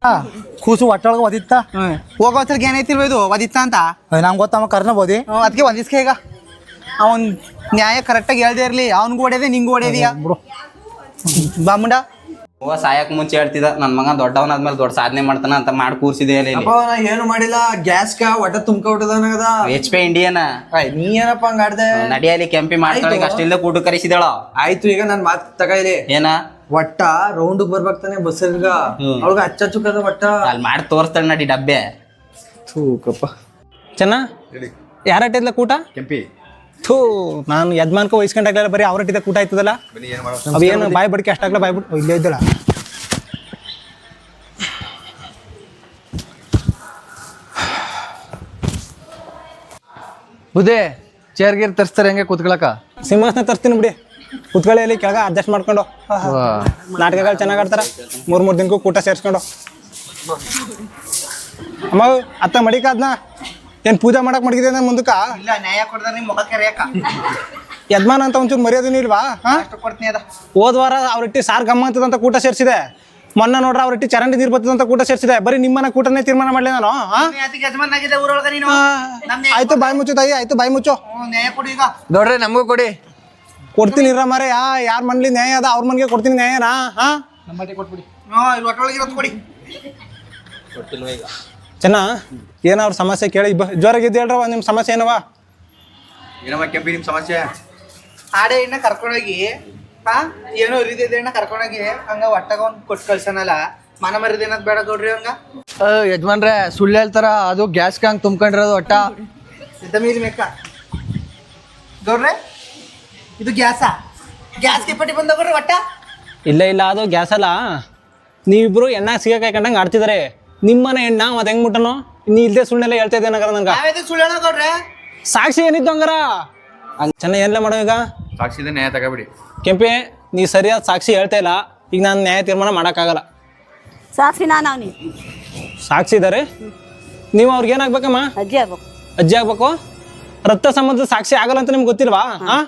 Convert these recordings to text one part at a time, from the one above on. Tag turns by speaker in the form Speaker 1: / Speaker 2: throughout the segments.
Speaker 1: ಕೂಸು ಒಟ್ಟೊಳಗೆ ಒದಿತ್ತ
Speaker 2: ಹೋಗೋತ್ರಿಗೆ ಏನೈತಿಲ್ವ ಇದು ಒದಿತ್ತ ಅಂತ
Speaker 1: ನಂಗೆ ಗೊತ್ತಮ್ಮ ಕರ್ನ ಬೋದಿ
Speaker 2: ಅದಕ್ಕೆ ಒಂದಿಸ್ಕೆ ಈಗ ಅವನ್ ನ್ಯಾಯ ಕರೆಕ್ಟಾಗಿ ಹೇಳ್ದೇ ಇರ್ಲಿ ಅವ್ನಿಗೂ ಹೊಡೆದೆ ನಿಂಗೂ ಹೊಡೆದಿಯಾ
Speaker 1: ಬಿಡು
Speaker 2: ಬಾಮುಂಡ
Speaker 3: ಹೂವ ಸಾಯಕ್ ಮುಂಚೆ ಹೇಳ್ತಿದ್ದ ನನ್ ಮಗ ದೊಡ್ಡವನಾದ್ಮೇಲೆ ದೊಡ್ಡ ಸಾಧನೆ ಮಾಡ್ತಾನ ಅಂತ ಮಾಡಿ ಕೂರ್ಸಿದೆ ಅಲ್ಲಿ
Speaker 4: ನಾ ಏನು ಮಾಡಿಲ್ಲ ಗ್ಯಾಸ್ ಒಟ್ಟ ತುಂಬ್ಕೊಬಿಟ್ಟದ
Speaker 3: HP ಇಂಡಿಯನ್
Speaker 4: ನೀ ಏನಪ್ಪ ಹಂಗ ಆಡ್ದೆ
Speaker 3: ನಡಿಯಲ್ಲಿ ಕೆಂಪಿ ಮಾಡ್ತಾಳೆ ಅಷ್ಟಿಲ್ಲ ಕೂಟ ಕರೆಸಿದಾಳ
Speaker 4: ಆಯ್ತು ಈಗ ನನ್ ಮಾತ್ ತಗಲಿ
Speaker 3: ಏನ
Speaker 4: ಒಟ್ಟ ರೌಂಡ್ ಬರ್ಬೇಕಾನೆ ಬಸ್ಸರ್ಗ ಅವಳಗ ಹಚ್ಚುಕದ ಒಟ್ಟ
Speaker 3: ಅಲ್ಲಿ ಮಾಡಿ ತೋರಿಸ್ತಾಳೆ ನಡಿ ಡಬ್ಬೆ
Speaker 4: ಥೂಕಪ್ಪ
Speaker 5: ಚೆನ್ನ ಯಾರಟ್ಟಿದ್ಲ ಕೂಟ
Speaker 4: ಕೆಂಪಿ
Speaker 5: ಥೂ ನಾನು ಯಜಮಾನ್ಕ ವಹಿಸ್ಕೊಂಡಾಗ್ಲಿಲ್ಲ ಬರೀ ಅವ್ರಟ್ಟಿದ್ದ ಕೂಟ ಆಯ್ತದಲ್ಲ ಅವೇನು ಬಾಯಿ ಬಡಿಕೆ ಅಷ್ಟಾಗ್ಲ ಬಾಯ್ ಬಿಟ್ಟು ಇಲ್ಲೇ ಇದ್ದಳ
Speaker 4: ಬುದೇ ಚೇರ್ ಗೀರ್ ತರಿಸ್ತಾರೆ ಹೆಂಗೆ ಕೂತ್ಕೊಳಕ
Speaker 5: ಸಿಂಹಾಸನ ತರ್ತೀನಿ ಬಿಡಿ ಕುತ್ಕೊಳ್ಳಿ ಕೆಳಗ ಅಡ್ಜಸ್ಟ್ ಮಾಡ್ಕೊಂಡು ನಾಟಕಗಳು ಚೆನ್ನಾಗಿ ಆಡ್ತಾರ ಮೂರ್ ದಿನಕ್ಕೂ ಕೂಟ ಸೇರಿಸ್ಕೊಂಡು ಅಮ್ಮ ಅತ್ತ ಮಡಿಕಾದ್ನ ಏನ್ ಪೂಜೆ ಮಾಡಕ್ ಮಡಗಿದೆ ನಾನು ಮುಂದಕ್ಕ
Speaker 2: ಇಲ್ಲ ನ್ಯಾಯ ಕೊಡ್ದಾರ ನಿಮ್ ಮುಖಕ್ಕೆ ರೇಖ
Speaker 5: ಯಜಮಾನ ಅಂತ ಒಂಚೂರು ಮರ್ಯಾದೆನೂ ಇಲ್ವಾ
Speaker 2: ಅಷ್ಟು ಕೊಡ್ತೀನಿ ಅದ
Speaker 5: ಹೋದ ವಾರ ಅವ್ರಟ್ಟಿ ಸಾರ್ ಗಮ್ಮ ಅಂತದಂತ ಕೂಟ ಸೇರಿಸಿದೆ ಮೊನ್ನೆ ನೋಡ್ರ ಅವ್ರಟ್ಟಿ ಚರಂಡಿ ನೀರು ಬರ್ತದಂತ ಕೂಟ ಸೇರಿಸಿದೆ ಬರೀ ನಿಮ್ಮನ ಕೂಟನೇ ತೀರ್ಮಾನ ಮಾಡ್ಲಿ ನಾನು
Speaker 2: ಯಜಮಾನಾಗಿದೆ ಊರೊಳಗ ನೀನು
Speaker 5: ಆಯ್ತು ಬಾಯಿ ಮುಚ್ಚು ತಾಯಿ ಆಯ್ತು ಬಾಯಿ ಮುಚ್ಚು
Speaker 2: ನ್ಯಾಯ ಕೊಡು ಈಗ
Speaker 4: ನೋಡ್ರಿ ನಮಗೂ ಕೊಡಿ
Speaker 5: ಕೊಡ್ತೀನಿ ಇರ ಮಾರೆ ಯಾರ ಮನ್ಲಿ ನ್ಯಾಯ ಅದ ಅವ್ರ ಮನ್ಗೆ ಕೊಡ್ತೀನಿ ನ್ಯಾಯನಾ
Speaker 2: ಕೊಟ್ಬಿಡಿ ಇಲ್ಲಿ ಒಟ್ಟೊಳಗೆ ಇರೋದು ಕೊಡಿ
Speaker 5: ಚೆನ್ನ ಏನ ಅವ್ರ ಸಮಸ್ಯೆ ಕೇಳಿ ಜೋರಾಗಿದ್ದು ಹೇಳ್ರವ ನಿಮ್ಮ ಸಮಸ್ಯೆ ಏನವ
Speaker 4: ಏನಮ್ಮ ಕೆಂಪಿ ನಿಮ್ ಸಮಸ್ಯೆ
Speaker 2: ಆಡೆ ಇನ್ನ ಕರ್ಕೊಂಡೋಗಿ ಏನೋ ಇರಿದಿದೆ ಅಣ್ಣ ಕರ್ಕೊಂಡೋಗಿ ಹಂಗ ಒಟ್ಟಾಗ ಅವ್ನ್ ಕೊಟ್ಟು ಕಳ್ಸನಲ್ಲ ಮನ ಮರಿದ ಏನದ್ ಬೇಡ ಕೊಡ್ರಿ ಹಂಗ
Speaker 4: ಯಜಮಾನ್ರೆ ಸುಳ್ಳು ಹೇಳ್ತಾರ ಅದು ಗ್ಯಾಸ್ ಹಂಗ್ ತುಂಬ್ಕೊಂಡಿರೋದು ಒಟ್ಟ
Speaker 2: ಮೀರಿ ಮೇಕ ಗೌಡ್ರೆ ಇದು ಗ್ಯಾಸ್ಗೆ ಪಟ್ಟಿ ಬಂದ ಗೌಡ್ರಿ ಒಟ್ಟ
Speaker 5: ಇಲ್ಲ ಅದು ಗ್ಯಾಸ್ ಅಲ್ಲ ನೀವಿಬ್ರು ಎಣ್ಣ ಸಿಗಕ್ಕೆ ಕಂಡಂಗೆ ಆಡ್ತಿದಾರೆ ನಿಮ್ಮನೆ ಎಣ್ಣ ಮತ್ತೆ ಹೆಂಗ್ ಮುಟ್ಟನೋ ನೀ ಇಲ್ದೇ ಸುಳ್ಳೆಲ್ಲ ಹೇಳ್ತಾ ಇದ್ದೆ ನಗರ ನನ್ಗ
Speaker 2: ಸುಳ್ಳು ಹೇಳೋ ಗೌಡ್ರೆ
Speaker 5: ಸಾಕ್ಷಿ ಏನಿತ್ತು ಹಂಗಾರ ಚೆನ್ನಾಗಿ ಎಲ್ಲ ಮಾಡೋ ಈಗ
Speaker 4: ಸಾಕ್ಷಿದ ನ್ಯಾಯ ತಗೋಬಿಡಿ
Speaker 5: ಕೆಂಪಿ ನೀ ಸರಿಯಾದ ಸಾಕ್ಷಿ ಹೇಳ್ತಾ ಇಲ್ಲ ಈಗ ನಾನು ನ್ಯಾಯ ತೀರ್ಮಾನ ಮಾಡೋಕ್ಕಾಗಲ್ಲ
Speaker 6: ಸಾಕ್ಷಿ ನಾನು ಅವನಿ
Speaker 5: ಸಾಕ್ಷಿ ಇದ್ದಾರೆ ನೀವು ಅವ್ರಿಗೆ ಏನಾಗ್ಬೇಕಮ್ಮ
Speaker 6: ಅಜ್ಜಿ ಆಗ್ಬೇಕು
Speaker 5: ಅಜ್ಜಿ ಆಗ್ಬೇಕು ರಕ್ತ ಸಂಬಂಧದ ಸಾಕ್ಷಿ ಆಗಲ್ಲ ಅಂತ ನಿಮ್ಗೆ ಗೊತ್ತಿಲ್ವಾ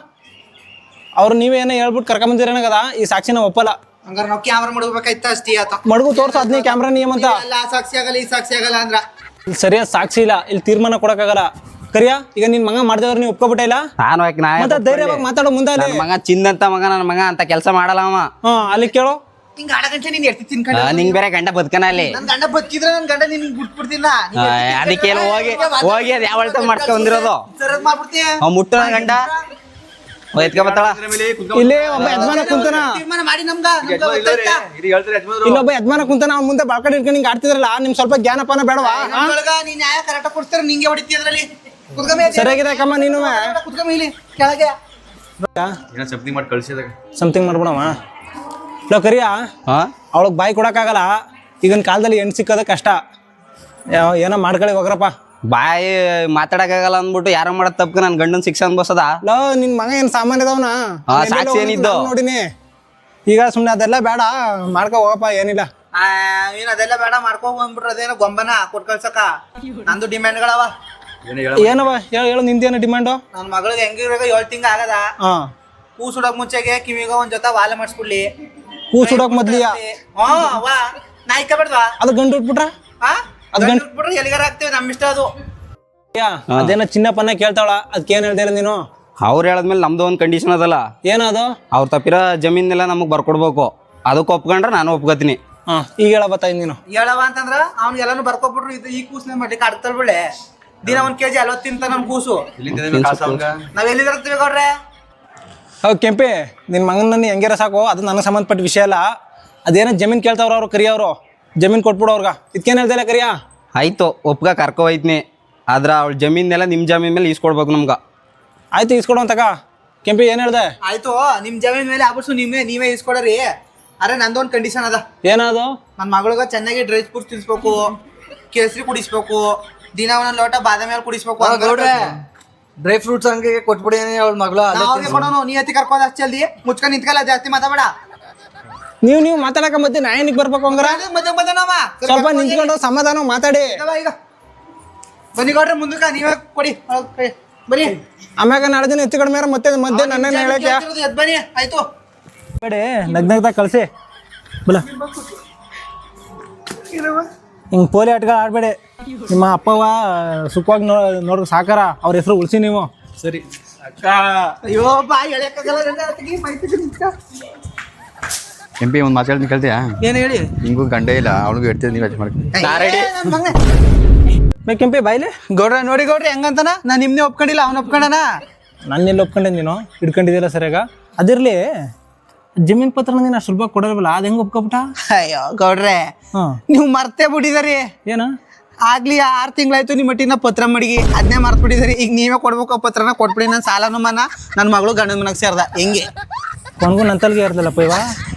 Speaker 5: ಅವ್ರು ನೀವೇನೋ ಹೇಳ್ಬಿಟ್ಟು ಕರ್ಕೊಂಬಂದಿರೇನಾಗದ ಈ ಸಾಕ್ಷಿನ ಒಪ್ಪಲ್ಲ
Speaker 2: ಹಂಗಾರ ನಾವು ಕ್ಯಾಮ್ರಾ ಮಾಡ್ಬೇಕಾಯ್ತ ಅಷ್ಟೇ ಆತ
Speaker 5: ಮಡಗು ತೋರ್ಸು ಅದ್ನೇ ಕ್ಯಾಮ್ರಾ ನಿಯಮ ಅಂತ
Speaker 2: ಆ ಸಾಕ್ಷಿ ಆಗಲ್ಲ ಈ ಸಾಕ್ಷಿ ಆಗಲ್ಲ ಅಂದ್ರ
Speaker 5: ಇಲ್ಲಿ ಸರಿಯಾದ ಸಾಕ್ಷಿ ಇಲ್ಲ ಇಲ್ಲಿ ತೀರ್ಮಾನ ಕೊಡಕ್ಕಾಗಲ್ಲ ಕರಿಯಾ ಈಗ ನಿನ್ ಮಗ ಮಾಡಿದವ್ರು ನೀವು ಒಪ್ಕೊಬಿಟ್ಟ ಇಲ್ಲ
Speaker 3: ನಾನು ಯಾಕೆ
Speaker 5: ಮತ್ತೆ ಧೈರ್ಯವಾಗಿ ಮಾತಾಡೋ ಮುಂದೆ ಅಲ್ಲಿ
Speaker 3: ನನ್ನ ಮಗ ಚಿನ್ನಂತ ಮಗ ನನ್ನ ಮಗ ಅಂತ ಕೆಲಸ ಮಾಡಲ್ಲ ಅವ
Speaker 5: ಅಲ್ಲಿ ಕೇಳೋ
Speaker 2: ಹಿಂಗ ಆಡಗಂಟೆ ನೀನ್ ಎರ್ತಿ ತಿನ್ಕೊಂಡ
Speaker 3: ನಿಂಗ್ ಬೇರೆ ಗಂಡ ಬದುಕನ ಅಲ್ಲಿ
Speaker 2: ನನ್ ಗಂಡ ಬದುಕಿದ್ರೆ ನನ್ ಗಂಡ ನಿನ್ ಬಿಟ್ಬಿಡ್ತೀನ
Speaker 3: ಅದಕ್ಕೆ ಹೋಗಿ ಅದ್ ಯಾವ ಮಾಡ್ಕೊಂಡಿರೋದು
Speaker 2: ಸರದ್ ಮಾಡ್ಬಿಡ್ತೀಯ
Speaker 3: ಅವ್ ಮುಟ್ಟು ನನ್ನ ಗಂಡ ಎತ್ಕ ಬತ್ತಾಳ
Speaker 5: ಇಲ್ಲಿ ಒಬ್ಬ ಯಜಮಾನ ಕುಂತಾನ
Speaker 2: ತೀರ್ಮಾನ ಮಾಡಿ ನಮ್ಗ
Speaker 5: ಇಲ್ಲೊಬ್ಬ ಯಜಮಾನ ಕುಂತಾನ ಅವ್ನ ಮುಂದೆ ಬಾಳ್ಕಡೆ ಇಟ್ಕೊಂಡು ಹಿಂಗೆ ಆಡ್ತಿದ್ರಲ್ಲ ನಿಮ್ ಸ್ವಲ್ಪ ಜ್ಞಾನಪಾನ ಬೇಡವಾ
Speaker 2: ನೀನ್ ನ್ಯಾಯ ಕರೆಕ್ಟ್ ಕೊಡ್ತಾರ ನಿಂಗೆ ಹೊಡಿತಿ ಅದ್ರಲ್ಲಿ
Speaker 5: ಸರಿಯಾಗಿದೆ ಕಮ್ಮ ನೀನು
Speaker 2: ಕುತ್ಕಮ್ಮ ಇಲ್ಲಿ ಕೆಳಗೆ
Speaker 4: ಸಮಥಿಂಗ್ ಮಾಡಿ ಕಳ್ಸಿದಾಗ
Speaker 5: ಸಮಥಿಂಗ್ ಮಾಡ್ಬಿಡವ ಇಲ್ಲ ಕರಿಯಾ ಅವಳಗ್ ಬಾಯಿ ಕೊಡಕ್ಕಾಗಲ್ಲ ಈಗಿನ ಕಾಲದಲ್ಲಿ ಹೆಣ್ಣು ಸಿಕ್ಕೋದ ಕಷ್ಟ ಏನೋ ಮಾಡ್ಕೊಳ್ಳಿ ಹೋಗ್ರಪ್ಪ
Speaker 3: ಬಾಯಿ ಮಾತಾಡಕ್ಕಾಗಲ್ಲ ಅಂದ್ಬಿಟ್ಟು ಯಾರೋ ಮಾಡೋದ್ ತಪ್ಪ ನನ್ ಗಂಡನ್ ಶಿಕ್ಷೆ ಅನ್ಬಸದ
Speaker 5: ಲೋ ನಿನ್ ಮಗ ಏನ್ ಸಾಮಾನ್ಯ ಇದಾವನ
Speaker 3: ಸಾಕ್ಷಿ ಏನಿದ್ದು
Speaker 5: ನೋಡಿನಿ ಈಗ ಸುಮ್ನೆ ಅದೆಲ್ಲ ಬೇಡ ಮಾಡ್ಕೊ ಹೋಗಪ್ಪ ಏನಿಲ್ಲ
Speaker 2: ನೀನ್ ಅದೆಲ್ಲ ಬೇಡ ಮಾಡ್ಕೊ ಬಂದ್ಬಿಟ್ರ ಅದೇನೋ ಗೊಂಬನ ಕೊಟ್ ಕಳ್ಸಕ ನಂದು ಡಿಮ್ಯಾಂಡ್ಗಳವ
Speaker 5: ಏನವ ಹೇಳು ನಿಂದೇನು ಡಿಮ್ಯಾಂಡು
Speaker 2: ನನ್ ಮಗಳಿಗೆ ಹೆಂಗಿರುವಾಗ 7 ತಿಂಗ ಆಗದ ಕೂ ಸುಡಕ್ ಮುಂಚೆಗೆ ಕಿವಿಗ ಒಂದ್ ಜೊತೆ ವಾಲೆ ಮಾಡಿಸ್ಬಿಡ್ಲಿ
Speaker 5: ಕೂ ಸುಡಕ್ ಮೊದ್ಲಿಯಾ
Speaker 2: ವಾ ನಾಯ್ಕ ಬೇಡ್ವಾ
Speaker 5: ಅದು ಗಂಡು ಉಟ್ಬಿಟ್ರ
Speaker 2: ಅದು ಗಂಡು ಬಿಟ್ರೆ ಎಲ್ಲಿಗಾರ ಹಾಕ್ತೇವೆ ನಮ್ ಇಷ್ಟ ಅದು
Speaker 5: ಅದೇನೋ ಚಿನ್ನಪ್ಪನ ಕೇಳ್ತಾವಳ ಅದಕ್ಕೆ ಏನ್ ಹೇಳ್ತಾ ನೀನು
Speaker 3: ಅವ್ರು ಹೇಳದ್ಮೇಲೆ ನಮ್ದು ಒಂದ್ ಕಂಡೀಷನ್ ಅದಲ್ಲ
Speaker 5: ಏನದು
Speaker 3: ಅವ್ರ ತಪ್ಪಿರೋ ಜಮೀನೆಲ್ಲ ನಮಗ್ ಬರ್ಕೊಡ್ಬೇಕು ಅದಕ್ಕೆ ಒಪ್ಕೊಂಡ್ರೆ ನಾನು ಒಪ್ಕೋತೀನಿ
Speaker 5: ಈಗ ಹೇಳ ಬತ್ತಾಯಿ ನೀನು
Speaker 2: ಹೇಳವ ಅಂತಂದ್ರ ಅವ್ನ್ ಎಲ್ಲಾನು ಬರ್ಕೊಬಿಟ್ರು ಇದು ಈ ಕೂಸ್ನೆ ಮಾಡ್ಲಿಕ್ಕೆ ಆಡ್ತಾರ ಬಿಳೆ ದಿನ 1 kg 40 ತಿಂತ ನಮ್ ಕೂಸು ನಾವ್ ಎಲ್ಲಿ ಇರ್ತೀವಿ ಗೌಡ್ರೆ
Speaker 5: ಹೌದು ಕೆಂಪಿ ನಿನ್ ಮಗನ ಹೆಂಗಿರ ಸಾಕು ಅದು ನನಗೆ ಸಂಬಂಧಪಟ್ಟ ವಿಷಯ ಅಲ್ಲ ಅದೇನೋ ಜಮೀನ್ ಕೇಳ್ತಾವ್ರ ಅವ್ರು ಕರಿಯವ್ರು ಜಮೀನ್ ಕೊಟ್ಬಿಡು ಅವ್ರಗ ಇದಕ್ಕೇನು ಹೇಳ್ದಿಲ್ಲ ಕರಿಯಾ
Speaker 3: ಆಯ್ತು ಒಪ್ಗ ಕರ್ಕೊ ಹೋಯ್ತೀನಿ ಆದ್ರ ಅವಳ ಜಮೀನೆಲ್ಲ ನಿಮ್ ಜಮೀನ್ ಮೇಲೆ ಈಸ್ಕೊಡ್ಬೇಕು ನಮ್ಗ
Speaker 5: ಆಯ್ತು ಈಸ್ಕೊಡು ಅಂತಕ ಕೆಂಪಿ ಏನ್ ಹೇಳ್ದೆ
Speaker 2: ಆಯ್ತು ನಿಮ್ ಜಮೀನ್ ಮೇಲೆ ಆಬಿಡ್ಸು ನೀವೇ ಇಸ್ಕೊಡ್ರಿ ಅರೆ ನಂದೊಂದ್ ಕಂಡೀಷನ್ ಅದ
Speaker 5: ಏನದು
Speaker 2: ನನ್ ಮಗಳಿಗೆ ಚೆನ್ನಾಗಿ ಡ್ರೈ ಫ್ರೂಟ್ಸ್ ತಿನ್ಸ್ಬೇಕು ಕೇಸರಿ ಕುಡಿಸ್ಬೇಕು ದಿನ ಒಂದೊಂದ್ ಲೋಟ ಬಾದಾಮಿ ಹಾಲು ಕುಡಿಸ್ಬೇಕು
Speaker 4: ಗೌಡ್ರೆ ಡ್ರೈ ಫ್ರೂಟ್ಸ್ ಹಂಗೆ ಕೊಟ್ಬಿಡಿ ಅವಳ ಮಗಳ
Speaker 2: ಅವ್ರಿಗೆ ಕೊಡೋನು ನೀ ಎತ್ತಿ ಕರ್ಕೋದ ಅಷ್ಟು ಜಲ್ದಿ ಮುಚ್ಕೊಂಡ್ ನಿಂತ್ಕಲ್ಲ ಜಾಸ್ತಿ ಮಾತಾಡ
Speaker 5: ನೀವು ಮಾತಾಡಕ ಮಧ್ಯೆ ನಾ ಏನಕ್ಕೆ ಬರ್ಬೇಕು ಹಂಗಾರ ಸ್ವಲ್ಪ ನಿಂತ್ಕೊಂಡು ಸಮಾಧಾನ ಮಾತಾಡಿ
Speaker 2: ಈಗ ಬನ್ನಿ ಗೌಡ್ರೆ ಮುಂದಕ್ಕ ನೀವೇ ಕೊಡಿ ಬನ್ನಿ
Speaker 5: ಆಮ್ಯಾಗ ನಾಳೆ ದಿನ ಹೆಚ್ಚು ಕಡಿಮೆ ಮತ್ತೆ ಮಧ್ಯೆ ನನ್ನ ಹೇಳಕ್ಕೆ
Speaker 2: ಬನ್ನಿ ಆಯ್ತು
Speaker 5: ಬೇಡ ನಗ್ನಗ್ದಾಗ ಕಳ್ಸಿ ಬಲ ಹಿಂಗೆ ಪೋಲಿ ಆಟಗಳು ಆಡಬೇಡಿ. ನಿಮ್ಮ ಅಪ್ಪವ ಸುಖವಾಗಿ ನೋಡ್ರಿ ಸಾಕಾರ, ಅವ್ರ ಹೆಸರು ಉಳಿಸಿ ನೀವು.
Speaker 2: ಸರಿ ಅಕ್ಕ. ಅಯ್ಯೋ ಬಾ ಎಳೆಯಕ್ಕಾಗಲ್ಲ
Speaker 7: ಕೆಂಪಿ ಒಂದು ಮಾತಾಡ್ತೀನಿ ಕೇಳ್ತೀಯಾ?
Speaker 2: ಏನು ಹೇಳಿ?
Speaker 7: ನಿಂಗೂ ಗಂಡೇ ಇಲ್ಲ, ಅವನಿಗೂ ಇಡ್ತೀವಿ, ನೀವು ಯೋಚನೆ ಮಾಡ್ಕೊಂಡು.
Speaker 5: ಕೆಂಪೆ ಬಾಯ್ಲೆ
Speaker 2: ಗೌಡ್ರ ನೋಡಿ ಗೌಡ್ರಿ ಹೆಂಗಂತಾನ. ನಾನು ನಿಮ್ನೆ ಒಪ್ಕೊಂಡಿಲ್ಲ, ಅವ್ನ ಒಪ್ಕೊಂಡನ.
Speaker 5: ನಾನು ಎಲ್ಲಿ ಒಪ್ಕೊಂಡೆ, ನೀನು ಹಿಡ್ಕೊಂಡಿದ್ದಿಲ್ಲ ಸರಿಯಾಗ. ಅದಿರ್ಲಿ, ಜಮೀನ್ ಪತ್ರನ ನೀನು ಅಷ್ಟು ಸುಲಭ ಕೊಡಲ್ವಲ್ಲ, ಅದು ಹೆಂಗೆ ಒಪ್ಕೊಬಿಟ್ಟ?
Speaker 2: ಅಯ್ಯೋ ಗೌಡ್ರೆ, ನೀವು ಮರ್ತೇ ಬಿಟ್ಟಿದಾರಿ.
Speaker 5: ಏನು
Speaker 2: ಆಗ್ಲಿ 6 ತಿಂಗಳಾಯ್ತು ನಿಮ್ಮ ಮಟ್ಟಿನ ಪತ್ರ ಮಡಿಗಿ, ಅದನ್ನೇ ಮರ್ತ್ ಬಿಟ್ಟಿದಾರಿ. ಈಗ ನೀವೇ ಕೊಡ್ಬೇಕು ಪತ್ರನ, ಕೊಟ್ಬಿಡಿ. ನನ್ನ ಸಾಲನು ಮನ, ನನ್ನ ಮಗಳು ಗಂಡನ ಮನೆಗೆ ಸೇರ್ದ. ಹೆಂಗೆ
Speaker 5: ಕೊನ್ಗೂ ನಂತಲ್ಗೆ ಇರ್ತಲ್ಲಪ್ಪ ಇವ.